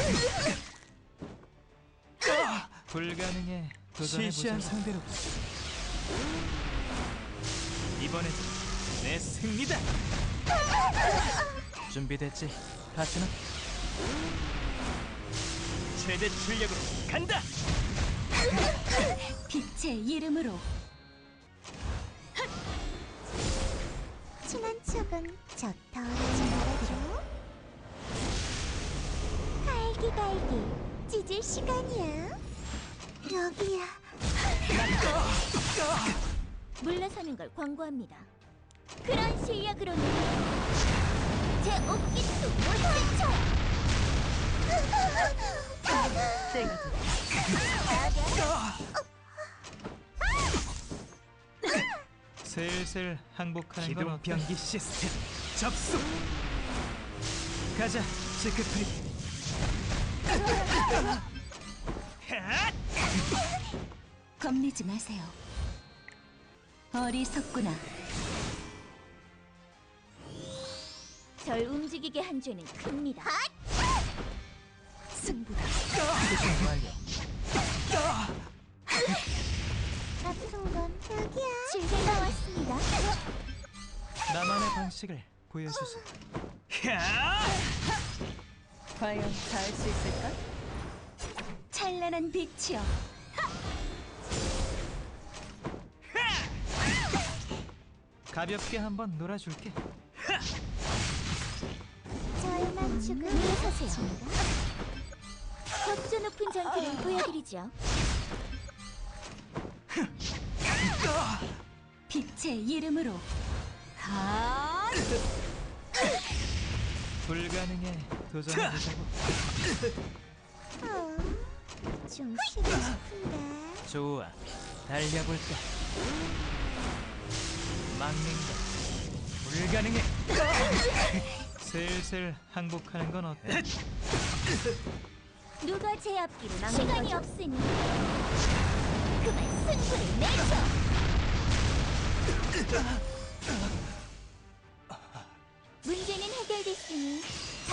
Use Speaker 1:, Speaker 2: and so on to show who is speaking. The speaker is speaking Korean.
Speaker 1: 불가능해.
Speaker 2: 시시한
Speaker 1: 도전해보자.
Speaker 2: 상대로
Speaker 1: 이번에도 내 승리다. 준비됐지, 파트너? 최대 출력으로 간다.
Speaker 3: 빛의 이름으로.
Speaker 4: 친한 척은 저 더하지 말아줘. 갈기갈기 찢을 시간이야. 여기야.
Speaker 3: 물러서는 걸 권고합니다. 그런 실력으로는 제 옷깃도 못 제쳐.
Speaker 1: 슬슬 항복하는 건
Speaker 2: 기동
Speaker 1: 어때?
Speaker 2: 변기 시스템 접수.
Speaker 1: 가자, 시크프리.
Speaker 3: 겁내지 마세요. 어리석구나. 절 움직이게 한 죄는 큽니다. 승부다.
Speaker 1: 완료.
Speaker 4: 아픈 건 여기야.
Speaker 3: 실패 나왔습니다.
Speaker 1: 나만의 방식을 보여주세요.
Speaker 3: 과연 다 할 수 있을까? 찬란한 빛이여.
Speaker 1: 가볍게 한번 놀아줄게.
Speaker 4: 절 맞추고
Speaker 3: 물러서세요. 격조 높은 전투를 보여드리죠. 빛의 이름으로.
Speaker 1: 불가능해. 도전해보자고.
Speaker 4: 좀 쉬고 싶은데.
Speaker 1: 좋아, 달려볼까? 막는 건 불가능해. 슬슬 항복하는 건 어때?
Speaker 3: 누가 제 앞길을 막는 시간이 없으니 그만 승부를 내죠. 문제는 해결됐으니